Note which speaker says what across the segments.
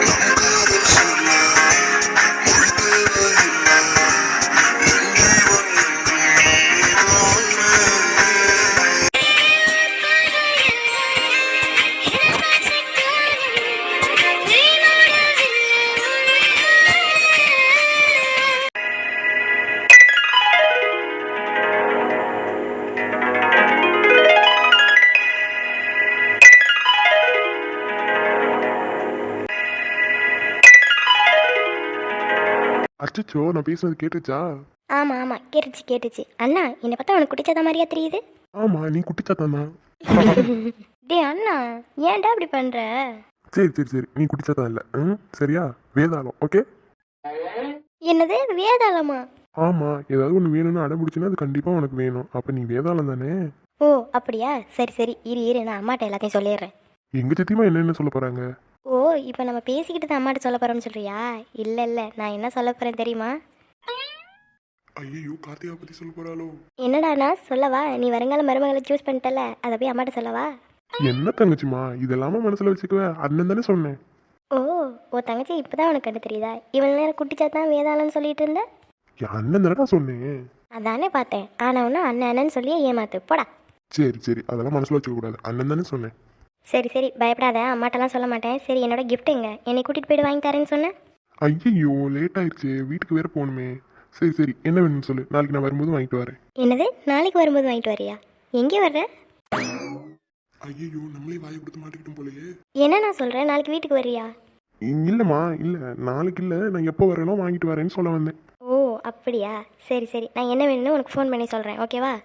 Speaker 1: அச்சோ, நான் பேசுனது கேட்டுச்சா?
Speaker 2: ஆமாம் ஆமாம், கேட்டுச்சு. அண்ணா, என்னை பார்த்தா உனக்கு குட்டிச்சாத மாதிரியா தெரியுது?
Speaker 1: ஆமா, நீ குட்டிச்சாத்தான் தான்.
Speaker 2: டே அண்ணா, ஏன்டா இப்படி பண்ணுற?
Speaker 1: சரி சரி சரி, நீ குட்டிச்சாத்தான் இல்லை. சரியா? வேதாளம். ஓகே.
Speaker 2: என்னது வேதாளமா?
Speaker 1: ஆமா, ஏதாவது ஒன்று வேணும்னு அடம் பிடிச்சுன்னா அது கண்டிப்பாக உனக்கு வேணும். அப்போ நீ வேதாளம் தானே?
Speaker 2: ஓ அப்படியா, சரி இரு நான் அம்மாட்ட எல்லாத்தையும் சொல்லிடுறேன்.
Speaker 1: எங்க சித்திமா என்ன சொல்ல போறாங்க?
Speaker 2: ஓ, இப்போ நம்ம பேசிக்கிட்டு தான் அம்மாட்ட சொல்ல போகிறோம்னு சொல்கிறியா? இல்லை, நான் என்ன சொல்ல போகிறேன் தெரியுமா?
Speaker 1: ஐயோ, கார்த்திகா பத்தி சொல்ல போறாளோ?
Speaker 2: என்னடாண்ணா சொல்லவா? நீ வருங்கால மருமகளை சூஸ் பண்ணிட்டல, அதை போய் அம்மாட்ட சொல்லவா?
Speaker 1: என்ன தங்கச்சிமா இதெல்லாம மனசுல வச்சுக்குவ? அண்ணன் தானே சொன்னேன்.
Speaker 2: ஓ, ஓ தங்கச்சி இப்போதான் உனக்கு கண்டு தெரியுதா? இவன் நேரம் குட்டிச்சாத்தான் வேதாளம்னு சொல்லிட்டு இருந்த.
Speaker 1: என் அண்ணன் தானடா சொன்னேன்.
Speaker 2: அதானே பார்த்தேன். ஆனவனா அண்ணன்னு சொல்லியே ஏமாத்து போடா.
Speaker 1: சரி சரி, அதெல்லாம் மனசுல வச்சுக்க கூடாது. அண்ணன் தானே சொன்னேன்.
Speaker 2: சரி பயப்படாத, அம்மாட்டெல்லாம் சொல்ல மாட்டேன். சரி, என்னோட gift எங்க? என்னை கூட்டிகிட்டு போயிட்டு வாங்கி தரேன்னு சொன்னேன்.
Speaker 1: ஐயோ, லேட் ஆயிடுச்சு, வீட்டுக்கு வேற போகணுமே. சரி என்ன வேணும்னு சொல்லு, நாளைக்கு நான் வரும்போது வாங்கிட்டு வரேன்.
Speaker 2: என்னது, நாளைக்கு வரும்போது வாங்கிட்டு வரியா? எங்கே வர்ற?
Speaker 1: ஐயோ, நம்மளே வாயை கொடுத்து மாட்டிக்கிட்டோம் போலயே.
Speaker 2: என்ன நான் சொல்கிறேன், நாளைக்கு வீட்டுக்கு வரியா?
Speaker 1: இல்லம்மா, இல்ல நாளைக்கு இல்ல, நான் எப்போ வரேனோ வாங்கிட்டு வரேன்னு சொல்ல வந்தேன்.
Speaker 2: ஓ அப்படியா, சரி நான் என்ன வேணும்னு உனக்கு ஃபோன் பண்ணி சொல்கிறேன், ஓகேவா?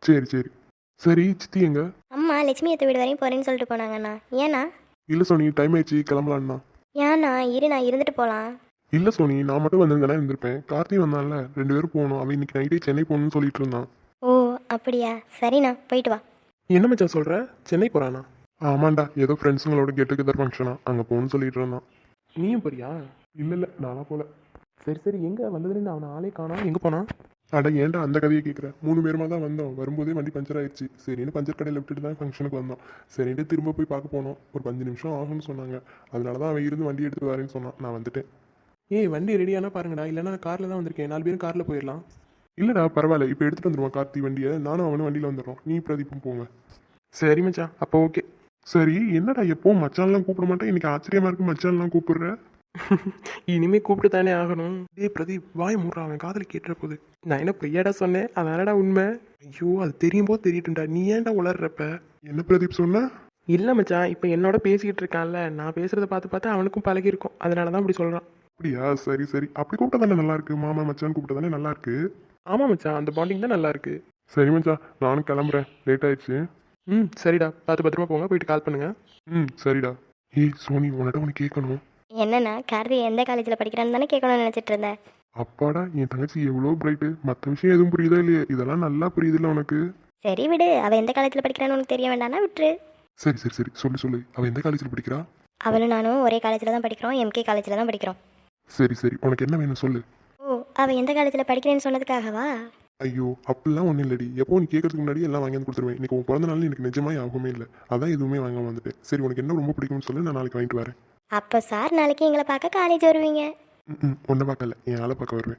Speaker 1: சரி சித்தி எங்க?
Speaker 2: அம்மா லட்சுமி அத்தை வீடு வரையும் போகிறேன்னு சொல்லிட்டு போனாங்கண்ணா. ஏண்ணா?
Speaker 1: இல்ல சோனி, டைம் ஆயிடுச்சு, கிளம்பலான்னா.
Speaker 2: ஏண்ணா, இரு நான் இருந்துட்டு போகலாம்.
Speaker 1: இல்ல சோனி, நான் மட்டும் வந்திருந்தேனா இருந்திருப்பேன். கார்த்தி வந்தான்ல, 2 பேரும் போகணும். அவன் இன்னைக்கு நைட்டே சென்னை போகணும்னு சொல்லிட்டு இருந்தான்.
Speaker 2: ஓ அப்படியா, சரிண்ணா போயிட்டு வா.
Speaker 1: என்ன மச்சான் சொல்ற? சென்னை போறானா? ஆமாண்டா, ஏதோ ஃப்ரெண்ட்ஸுங்களோட கெட் டுகெதர் ஃபங்க்ஷனா, அங்க போகணும்னு சொல்லிட்டு இருந்தான். நீயும் போறியா? இல்ல நானா போல. சரி எங்க வந்ததுலேருந்து அவனை ஆளே காணோம், எங்க போனா? அட ஏன்டா அந்த கதையை கேட்குற? 3 பேருமா தான் வந்தோம். வரும்போதே வண்டி பஞ்சர் ஆயிடுச்சு. சரின்னு பஞ்சர் கடையில் விட்டுட்டு தான் ஃபங்க்ஷனுக்கு வந்தோம். சரின்ட்டு திரும்ப போய் பார்க்க போனோம். ஒரு 5 நிமிஷம் ஆகும்னு சொன்னாங்க. அதனால தான் அவன் இருந்து வண்டி எடுத்துட்டு வரேன்னு சொன்னான். நான் வந்துட்டேன்.
Speaker 3: ஏய், வண்டி ரெடியானா பாருங்கடா, இல்லைனா நான் காரில் தான் வந்திருக்கேன். 4 பேரும் காரில் போயிடலாம்.
Speaker 1: இல்லைடா பரவாயில்ல, இப்போ எடுத்துகிட்டு வந்துடுவான் கார்த்தி வண்டியை. நானும் அவனும் வண்டியில் வந்துடுறோம். நீ பிரதீப்பும் போங்க.
Speaker 3: சரி மச்சான், அப்போ ஓகே.
Speaker 1: சரி, என்னடா எப்போவும் மச்சான்லாம் கூப்பிட மாட்டேன், இன்னைக்கு ஆச்சரியமா இருக்கு மச்சான்லாம் கூப்பிடுற.
Speaker 3: இனிமே கூப்பிட்டு தானே ஆகணும். டேய் பிரதீப், வாய் மூடுறா, அவன் காதல் கேட்டுற போகுது. நான் என்ன பொய்யாடா சொன்னேன்? அதனாடா உண்மை. ஐயோ, அது தெரியும் போது தெரியட்டும்டா, நீ ஏன்டா உளர்றப்ப?
Speaker 1: என்ன பிரதீப் சொன்ன?
Speaker 3: இல்லை மச்சான், இப்போ என்னோட பேசிக்கிட்டு இருக்கான்ல, நான் பேசுகிறத பார்த்து அவனுக்கும் பழகிருக்கும். அதனால தான் அப்படி சொல்கிறான்.
Speaker 1: அப்படியா? சரி அப்படி கூப்பிட்டா தானே நல்லா இருக்கு. மாமா மச்சான் கூப்பிட்டா தானே நல்லா இருக்கு.
Speaker 3: ஆமாம் மச்சான், அந்த பாண்டிங் தான் நல்லா இருக்கு.
Speaker 1: சரி மச்சான், நானும் கிளம்புறேன், லேட் ஆயிடுச்சு.
Speaker 3: சரிடா, பார்த்து பத்திரமா போங்க, போயிட்டு கால் பண்ணுங்க.
Speaker 1: சரிடா. ஏய் சோனி, உன்னிட்ட ஒன்று கேட்கணும்.
Speaker 2: என்னண்ணா, கார்த்தி எந்த காலேஜில் படிக்கிறான்னு தானே கேட்கணும்னு நினச்சிட்டு இருந்தேன்.
Speaker 1: அப்பாடா, என் தங்கச்சி எவ்வளோ பிரைட்டு. மற்ற விஷயம் எதுவும் புரியுதா இல்லையா? இதெல்லாம் நல்லா புரியுதுல்ல உனக்கு?
Speaker 2: சரி விடு, அவள் எந்த காலேஜில் படிக்கிறான்னு உனக்கு தெரிய வேண்டாம்னா விட்டுரு.
Speaker 1: சரி சொல்லு. அவள் எந்த காலேஜில் படிக்கிறா?
Speaker 2: அவளும் நானும் ஒரே காலேஜில் தான் படிக்கிறோம், எம்கே காலேஜில் தான் படிக்கிறோம்.
Speaker 1: சரி உனக்கு என்ன வேணும் சொல்லு.
Speaker 2: ஓ, அவள் எந்த காலேஜில் படிக்கிறேன்னு சொன்னதுக்காகவா?
Speaker 1: ஐயோ, அப்படிலாம் ஒன்றும் இல்லடி. எப்போ நீ கேட்கறதுக்கு முன்னாடி எல்லாம் வாங்கி வந்து கொடுத்துருவேன். இன்னைக்கு உன் பிறந்த நாள் எனக்கு நிஜமாய் ஆகவே இல்லை. அதான் எதுவுமே வாங்காம வந்துட்டேன். சரி, உனக்கு என்ன ரொம்ப பிடிக்கும்னு சொல்லி நான் நாளைக்கு வாங்கிட்டு வரேன்.
Speaker 2: அப்போ சார் நாளைக்கு எங்களை பார்க்க காலேஜ் வருவீங்க?
Speaker 1: ஒன்றை பார்க்கல, என் ஆளை பார்க்க வருவேன்.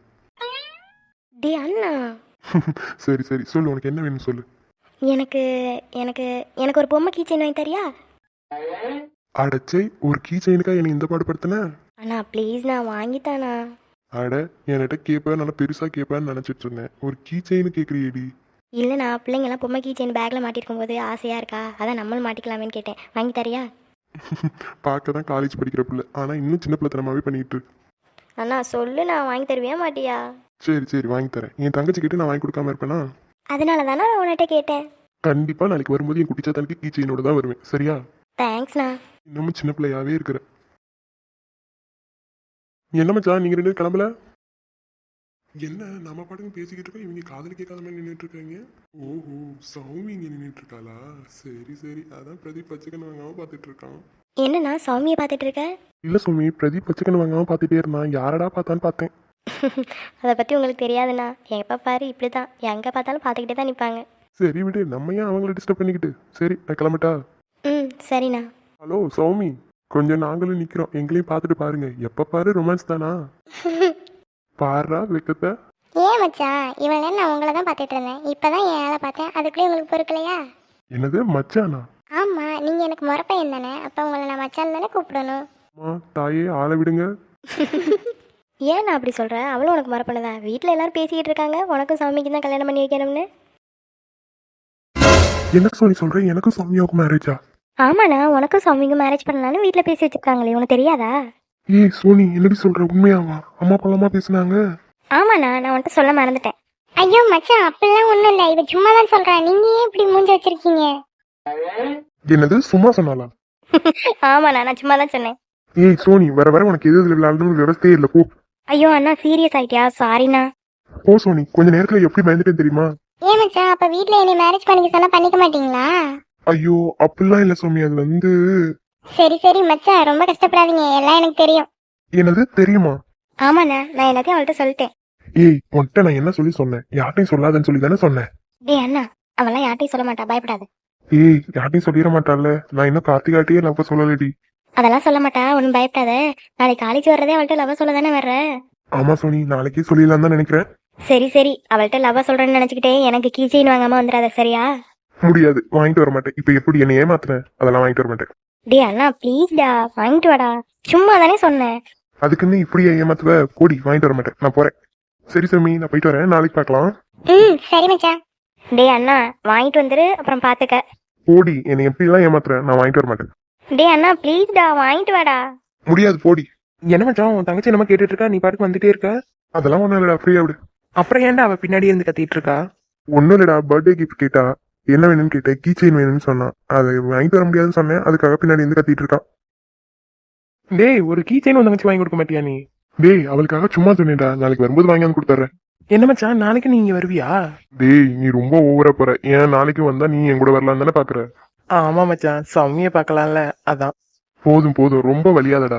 Speaker 2: டே அண்ணா.
Speaker 1: சரி சொல்லு, உனக்கு என்ன வேணும்னு சொல்லு.
Speaker 2: எனக்கு எனக்கு எனக்கு ஒரு பொம்மை கீச்சைன் வாங்கி தரியா?
Speaker 1: அடச்சை, ஒரு கீ செயினுக்கா என்னை இந்த பாடுபடுத்தின?
Speaker 2: அண்ணா ப்ளீஸ், நான் வாங்கித்தானா?
Speaker 1: அட, என்கிட்ட கேட்பேன், நல்லா பெருசாக கேட்பேன்னு நினச்சிட்டு இருந்தேன். ஒரு கீ செயின் கேட்குறியேடி.
Speaker 2: இல்லைண்ணா, பிள்ளைங்கெல்லாம் பொம்மை கீச்சைன் பேக்கில் மாட்டிருக்கும் போது ஆசையாக இருக்கா, அதான் நம்மளும் மாட்டிக்கலாமேன்னு கேட்டேன். வாங்கி தரியா?
Speaker 1: பார்க்க தான் காலேஜ் படிக்கிற பிள்ளை, ஆனால் இன்னும் சின்ன பிள்ளைத்தனமாகவே பண்ணிட்டு இருக்கு.
Speaker 2: அண்ணா சொல்லு, நான் வாங்கி தருவியா மாட்டியா?
Speaker 1: சரி வாங்கி தரேன். என் தங்கச்சி கிட்ட நான் வாங்கி கொடுக்காம இருப்பேனா?
Speaker 2: அதனால தானே நான் உன்கிட்ட கேட்டேன்.
Speaker 1: கண்டிப்பாக நாளைக்கு வரும்போது என் குட்டிச்சா தனக்கு கீ செயினோட தான் வருவேன், சரியா?
Speaker 2: தேங்க்ஸ்ண்ணா.
Speaker 1: இன்னமும் சின்ன பிள்ளையாவே இருக்கிற. என்ன மச்சான், நீங்கள் 2 பேரும் கிளம்பல? என்ன நம்ம பாட்டுக்கு பேசிக்கிட்டு இருக்கோம், இவங்க காதல் கேட்காத மாதிரி நின்றுட்டு இருக்காங்க. ஓஹோ, சௌமி இங்கே நின்றுட்டு இருக்காளா? சரி அதான் பிரதீப் பச்சைக்கண்ணு வாங்காம பார்த்துட்டு இருக்கான்.
Speaker 2: என்னண்ணா சௌமியை பார்த்துட்டு இருக்க?
Speaker 1: இல்லை சௌமி, பிரதீப் பச்சைக்கண்ணு வாங்காம பார்த்துட்டே இருந்தான். யாரடா பார்த்தான்னு பார்த்தேன்.
Speaker 2: அதை பற்றி உங்களுக்கு தெரியாதுண்ணா. எப்போ பாரு இப்படி தான், எங்கே பார்த்தாலும் பார்த்துக்கிட்டே தான் நிற்பாங்க.
Speaker 1: சரி விடு, நம்ம ஏன் அவங்கள டிஸ்டர்ப் பண்ணிக்கிட்டு. சரி, நான் கிளம்பிட்டா?
Speaker 2: சரிண்ணா.
Speaker 1: ஹலோ சௌமி. கொஞ்சம் நாங்களும் நிக்கிறோம், எங்களையும் பார்த்துட்டு பாருங்க. எப்ப பாரு ரொமான்ஸ் தானா? பாருடா வெக்கத்தை.
Speaker 2: ஏன் மச்சான் இவ்வளோ நேரம் நான் உங்களை தான் பார்த்துட்டு இருந்தேன், இப்போதான் என் ஆளை பார்த்தேன், அதுக்குள்ளே உங்களுக்கு பொறுக்கலையா?
Speaker 1: என்னது மச்சானா?
Speaker 2: ஆமாம், நீங்கள் எனக்கு முறப்பையன் தானே, அப்போ உங்களை நான் மச்சான் தானே கூப்பிடணும்.
Speaker 1: அம்மா தாயே ஆளை விடுங்க.
Speaker 2: ஏன் நான் அப்படி சொல்கிறேன்? அவளும் உனக்கு மறப்பனதா? வீட்டில் எல்லாரும் பேசிக்கிட்டு இருக்காங்க உனக்கும் சாமிக்கு தான் கல்யாணம் பண்ணி வைக்கணும்னு.
Speaker 1: என்ன சொல்லி சொல்றேன்? எனக்கும் சௌமியாவுக்கும் மேரேஜா?
Speaker 2: ஆமாண்ணா, உனக்கும் சாமிக்கும் மேரேஜ் பண்ணலான்னு வீட்டில் பேசி வச்சுருக்காங்களே, உனக்கு தெரியாதா?
Speaker 1: ஏய் சோனி, என்னடி சொல்ற? உண்மையாவா? அம்மா பழமா பேசுனாங்க.
Speaker 2: ஆமாண்ணா, நான் உன்கிட்ட சொல்ல மறந்துட்டேன். ஐயோ மச்சான், அப்படிலாம் ஒன்றும் இல்லை, இவ சும்மா தான் சொல்கிறேன், நீங்கள் ஏன் இப்படி மூஞ்சி வச்சிருக்கீங்க?
Speaker 1: என்னது சும்மா சொன்னாலா?
Speaker 2: ஆமாண்ணா, நான் சும்மா தான் சொன்னேன்.
Speaker 1: ஏய் சோனி, வர வர உனக்கு எது எதுல விளையாடணும்னு விவசாயே இல்லை. போ
Speaker 2: ஐயோ அண்ணா, சீரியஸ் ஆகிட்டியா? சாரிண்ணா.
Speaker 1: போ சோனி, கொஞ்ச நேரத்துல எப்படி பயந்துட்டேன் தெரியுமா?
Speaker 2: ஏன் மச்சான், அப்போ வீட்டில் என்னை மேரேஜ் பண்ணிக்க சொன்னால் பண்ணிக்க மாட்டீங்களா?
Speaker 1: ஐயோ அப்படிலாம் இல்லை சோமி, அது வந்து.
Speaker 2: சரி சரி மச்சான், ரொம்ப கஷ்டப்படாதீங்க, எல்லாம் எனக்கு தெரியும்.
Speaker 1: என்னது தெரியுமா?
Speaker 2: ஆமாண்ணா, நான் எல்லாத்தையும் அவள்கிட்ட சொல்லிட்டேன்.
Speaker 1: ஏய் உன்கிட்ட நான் என்ன சொல்லி சொன்னேன்? யார்ட்டையும் சொல்லாதன்னு சொல்லி தானே சொன்னேன்.
Speaker 2: டேய் அண்ணா, அவெல்லாம் யார்ட்டையும் சொல்ல மாட்டா, பயப்படாத.
Speaker 1: ஏய் யார்ட்டையும் சொல்லிட மாட்டாள்ல. நான் இன்னும் கார்த்திகாட்டியே லவ் சொல்லலடி.
Speaker 2: அதெல்லாம் சொல்ல மாட்டா, ஒன்றும் பயப்படாத. நாளைக்கு காலேஜ் வர்றதே அவள்கிட்ட லவ் சொல்ல தானே வர்ற.
Speaker 1: ஆமா சோனி, நாளைக்கே சொல்லிடலாம் தான் நினைக்கிறேன்.
Speaker 2: சரி சரி, அவள்கிட்ட லவ் சொல்றேன்னு நினைச்சுக்கிட்டே எனக்கு கீ செயின் வாங்காம வந்துடாத, சரியா?
Speaker 1: முடியாது, வாங்கிட்டு வர மாட்டேன். இப்ப எப்படி என்ன ஏமாத்துறேன்? அதெல்லாம் வாங்கிட்டு வர மாட்டேன்.
Speaker 2: டேய் அண்ணா ப்ளீஸ்டா, வாங்கிட்டு வாடா. சும்மா தானே சொன்னேன்.
Speaker 1: அதுக்குன்னு இப்படியே ஏமாத்துவ? போடி, வாங்கிட்டு வர மாட்டேன், நான் போறேன். சரி சோமி, நான் போயிட்டு வரேன், நாளைக்கு பார்க்கலாம்.
Speaker 2: சரி மச்சான். டேய் அண்ணா, வாங்கிட்டு வந்துரு, அப்புறம் பாத்துக்க.
Speaker 1: போடி, என்னை எப்படிலாம் ஏமாத்துறேன்? நான் வாங்கிட்டு வர மாட்டேன்.
Speaker 2: டேய் அண்ணா ப்ளீஸ்டா, வாங்கிட்டு வாடா.
Speaker 1: முடியாது, போடி.
Speaker 3: என்ன மச்சான், உன் தங்கச்சி என்னமா கேட்டுட்டு இருக்கா, நீ பாட்டுக்கு வந்துட்டே இருக்க?
Speaker 1: அதெல்லாம் ஒண்ணும் இல்லடா, ஃப்ரீயா விடு.
Speaker 3: அப்புறம் ஏன்டா அவ பின்னாடி இருந்து கத்திட்டு இருக்கா?
Speaker 1: ஒன்னும் இல்லடா, பர்த்டே கிஃப்ட் கேட்டா. என்ன வேணும்னு கேட்டேன், கீ செயின் வேணும்னு சொன்னான். அதை வாங்கிட்டு வர முடியாதுன்னு சொன்னேன், அதுக்காக பின்னாடி இருந்து கத்திட்டு இருக்கான்.
Speaker 3: டேய், ஒரு கீ செயின் உன் தங்கச்சி வாங்கி கொடுக்க மாட்டியா நீ?
Speaker 1: டேய் அவளுக்காக சும்மா சொன்னேன்டா, நாளைக்கு வரும்போது வாங்கி வந்து கொடுத்துறேன்.
Speaker 3: என்ன மச்சான், நாளைக்கு நீ இங்க வருவியா?
Speaker 1: டேய் நீ ரொம்ப ஓவரா போற. ஏன் நாளைக்கு வந்தா நீ என் கூட வரலாம் தானே பாக்குற?
Speaker 3: ஆமா மச்சான், சௌமிய பார்க்கலாம்ல, அதான்.
Speaker 1: போதும் போதும், ரொம்ப வலியாதடா.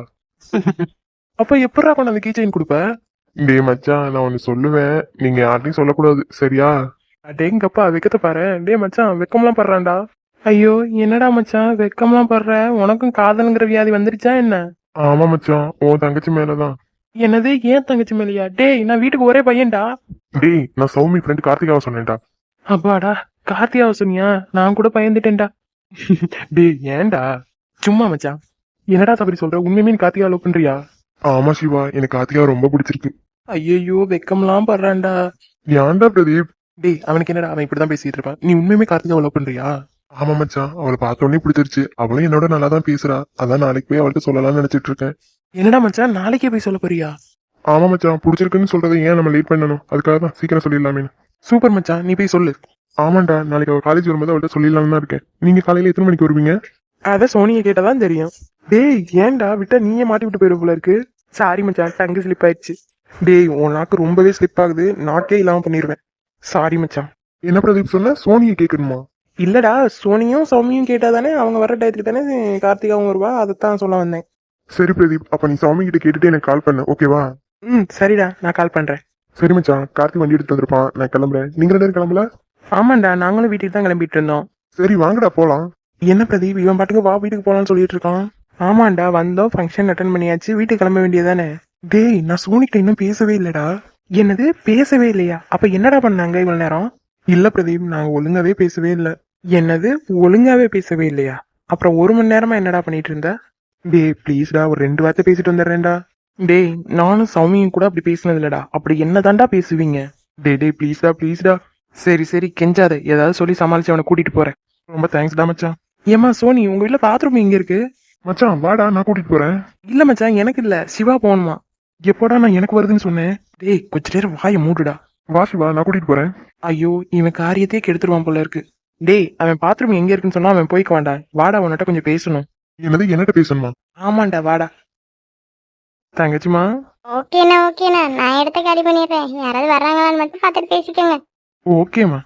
Speaker 3: அப்ப எப்படா கொண்டு அந்த கீ செயின் கொடுப்ப?
Speaker 1: டேய் மச்சான், நான் ஒன்னு சொல்லுவேன், நீங்க யார்ட்டையும் சொல்லக்கூடாது, சரியா?
Speaker 3: அடேங்கப்பா, வெக்கத்தை பாரு. டேய் மச்சான், வெக்கம்லாம் படுறான்டா. ஐயோ என்னடா மச்சான் வெக்கம்லாம் படுற? உனக்கும் காதல்ங்கிற வியாதி வந்துருச்சா என்ன?
Speaker 1: ஆமா மச்சான், உன் தங்கச்சி மேலதான்.
Speaker 3: என்னது, ஏன் தங்கச்சி மேலையா? டேய், நான் வீட்டுக்கு ஒரே பையன்டா.
Speaker 1: டேய் நான் சௌமி ஃப்ரெண்ட் கார்த்திகாவை சொன்னேன்டா.
Speaker 3: அப்பாடா, கார்த்தியாவை சொன்னியா? நான் கூட பயந்துட்டேன்டா. டேய் ஏன்டா? சும்மா மச்சான். என்னடா தப்பி சொல்ற? உண்மையுமே நீ கார்த்திகா லவ் பண்றியா?
Speaker 1: ஆமா சிவா, எனக்கு கார்த்திகாவை ரொம்ப பிடிச்சிருக்கு.
Speaker 3: ஐயோ வெக்கம்லாம் படுறான்டா.
Speaker 1: ஏன்டா பிரதீப்?
Speaker 3: டேய், அவனுக்கு என்னடா, அவன் இப்படிதான் பேசிட்டு இருப்பான். நீ உண்மையுமே கார்த்திகா லவ் பண்றியா?
Speaker 1: ஆமா மச்சான், அவளை பார்த்த உடனே பிடிச்சிருச்சு. அவளும் என்னோட நல்லா தான் பேசுறா. அதான் நாளைக்கு போய் அவள்கிட்ட சொல்லலாம்னு நினைச்சிட்டு இருக்கேன்.
Speaker 3: என்னடா மச்சான், நாளைக்கே போய் சொல்ல போறியா?
Speaker 1: ஆமா மச்சான், பிடிச்சிருக்குன்னு சொல்றதை ஏன் நம்ம லேட் பண்ணணும்? அதுக்காக தான் சீக்கிரம் சொல்லிடலாமே.
Speaker 3: சூப்பர் மச்சான், நீ போய் சொல்லு.
Speaker 1: ஆமாண்டா, நாளைக்கு அவள் காலேஜ் வரும்போது அவள்கிட்ட சொல்லிடலாம்னு தான் இருக்கேன். நீங்க காலையில எத்தனை மணிக்கு வருவீங்க?
Speaker 3: அத சோனியை கேட்டாதான் தெரியும். டேய் ஏன்டா விட்டா நீயே மாட்டி விட்டு போயிரு போல இருக்கு. சாரி மச்சான், டங்கு ஸ்லிப் ஆயிடுச்சு. டேய், உன் நாக்கு ரொம்பவே ஸ்லிப் ஆகுது, நாக்கே இல்லாம பண்ணிடுவேன். சாரி மச்சான்.
Speaker 1: என்ன பிரதீப் சொன்ன? சோனியை கேட்கணுமா?
Speaker 3: இல்லடா, சோனியும் சௌமியும் கேட்டாதானே அவங்க வர டயத்துக்கு தானே கார்த்திகாவும் வருவா, அதைத்தான் சொல்ல வந்தேன்.
Speaker 1: சரி பிரதீப், அப்ப நீ சௌமி கிட்ட கேட்டுட்டு எனக்கு கால் பண்ணு, ஓகேவா?
Speaker 3: சரிடா, நான் கால் பண்றேன்.
Speaker 1: சரி மச்சான், கார்த்தி வண்டி எடுத்து வந்திருப்பான், நான் கிளம்புறேன். நீங்க 2 பேரும் கிளம்பல?
Speaker 3: ஆமாண்டா, நாங்களும் வீட்டுக்கு தான் கிளம்பிட்டு இருந்தோம்.
Speaker 1: சரி வாங்கடா போலாம்.
Speaker 3: என்ன பிரதீப், இவன் பாட்டுக்கு வா வீட்டுக்கு போலாம்னு சொல்லிட்டு இருக்கான். ஆமாண்டா, வந்தோம், ஃபங்க்ஷன் அட்டன் பண்ணியாச்சு, வீட்டுக்கு கிளம்ப வேண்டியதானே. டேய், நான் சோனிக்கிட்ட இன்னும் பேசவே இல்லடா. என்னது, பேசவே இல்லையா? அப்ப என்னடா பண்ணாங்க இவ்வளவு நேரம்? இல்ல பிரதீப், நாங்க ஒழுங்காவே பேசவே இல்ல. என்னது, ஒழுங்காவே பேசவே இல்லையா? அப்புறம் 1 மணி நேரமா என்னடா பண்ணிட்டு இருந்த? டேய் ப்ளீஸ்டா, ஒரு 2 வார்த்தை பேசிட்டு வந்துடுறேன்டா. டேய், நானும் சௌமியும் கூட அப்படி பேசினது இல்லடா. அப்படி என்னதான்டா பேசுவீங்க? டேய் ப்ளீஸ்டா ப்ளீஸ்டா. சரி சரி, கெஞ்சாத, ஏதாவது சொல்லி சமாளிச்சு அவனை கூட்டிட்டு போறேன். ரொம்ப தேங்க்ஸ்டா மச்சான். ஏமா சோனி, உங்க வீட்டுல பாத்ரூம் எங்க இருக்கு?
Speaker 1: மச்சான் வாடா, நான் கூட்டிட்டு போறேன்.
Speaker 3: இல்ல மச்சான், எனக்கு இல்ல, சிவா போகணுமா. எப்போடா நான் எனக்கு வருதுன்னு சொன்னேன்? டேய் கொஞ்ச நேரம் வாயை மூடுடா.
Speaker 1: வா சிவா, நான் கூட்டிட்டு போறேன்.
Speaker 3: ஐயோ, இவன் காரியத்தையே கெடுத்துருவான் போல இருக்கு. டேய், அவன் பாத்ரூம் எங்க இருக்குன்னு சொன்னா அவன் போய்க்க வேண்டாம். வாடா, உன்கிட்ட கொஞ்சம் பேசணும்.
Speaker 1: என்னது, என்னட்ட பேசணுமா?
Speaker 3: ஆமாண்டா, வாடா. தங்கச்சிமா.
Speaker 2: ஓகேண்ணா ஓகேண்ணா, நான் இடத்த காலி பண்ணிடுறேன், யாராவது வர்றாங்களான்னு மட்டும் பார்த்துட்டு பேசிக்கோங்க.
Speaker 3: ஓகேம்மா.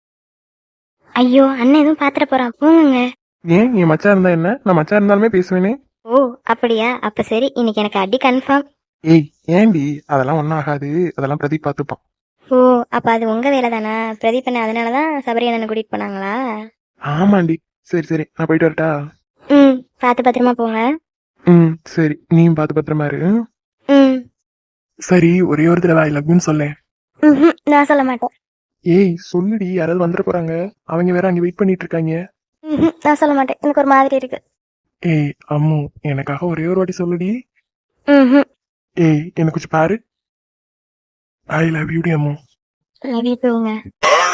Speaker 2: ஐயோ அண்ணன் எதுவும் பாத்துட போறான், போங்க.
Speaker 3: ஏன், என் மச்சா இருந்தா என்ன? நான் மச்சா இருந்தாலுமே பேசுவேனே.
Speaker 2: ஓ அப்படியா, அப்ப சரி, இன்னைக்கு எனக்கு அடி கன்ஃபார்ம்.
Speaker 3: ஏய் ஏண்டி, அதெல்லாம் ஒன்றும் ஆகாது, அதெல்லாம் பிரதீப் பார்த்துப்பான்.
Speaker 2: ஓ அப்ப அது உங்க வேலை தானா? பிரதீப் அண்ணன் அதனாலதான் சபரி அண்ணனை கூட்டிட்டு போனாங்களா?
Speaker 3: ஆமாண்டி. சரி சரி, நான் போயிட்டு வரட்டா?
Speaker 2: பார்த்து பத்திரமா போங்க.
Speaker 3: ம் சரி நீயும் பார்த்து பத்திரமா இரு.
Speaker 2: ம்
Speaker 3: சரி ஒரே ஒரு தடவை ஐ லவ் யூன்னு சொல்லேன்.
Speaker 2: நான் சொல்ல மாட்டேன்.
Speaker 3: ஏய் சொல்லுடி, யாராவது வந்துட போறாங்க. அவங்க வேற அங்க வெயிட் பண்ணிட்டு இருக்காங்க.
Speaker 2: நான் சொல்ல மாட்டேன், எனக்கு ஒரு மாதிரி இருக்கு.
Speaker 3: ஏய் அம்மு, எனக்காக ஒரே ஒரு வாட்டி சொல்லுடி.
Speaker 2: ம்
Speaker 3: ஏய் எனக்கு கொஞ்சம் பாரு. ஐ லவ் யூ டி அம்மு.
Speaker 2: Love you டூங்க.